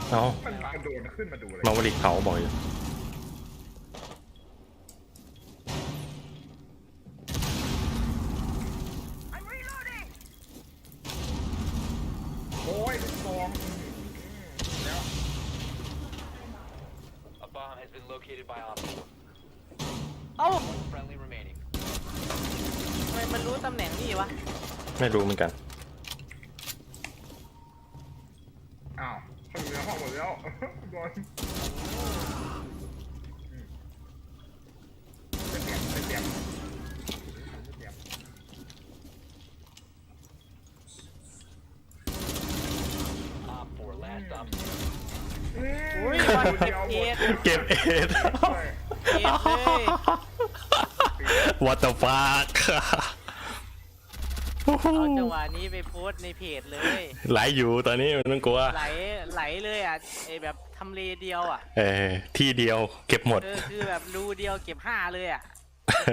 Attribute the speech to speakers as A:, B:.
A: เอ้า
B: มันกระโดดขึ้นมาดูเลย
A: มาวลิกเขาบอกอยู่
B: โอ้ยลูกซองแล้ว
C: A bomb has been located by Op
D: เอ้า
C: 4. Friendly remaining.
D: ทำไมมันรู้ตำแหน่งนี่วะ
A: ไม่รู้เหมือนกัน
B: อ้าวเขาอยู่ในห้องหมดแล้วบอลเป็นเตรียม
C: Op 4, last stop.
D: อุ้ยบอลเก็บเอ็ด
A: เก็บเอ็ด
D: เอ็ดเลย
A: What the fuck
D: เอาจังหวะนี้ไปโพสต์ในเพจเลย
A: ไหลอยู่ตอนนี้ไม่ต้องกลัว
D: ไหลเลยอ่ะไอแบบทำเลเดียวอ่ะ
A: ที่เดียวเก็บหมด
D: คือแบบรูเดียวเก็บ5เลยอ่ะ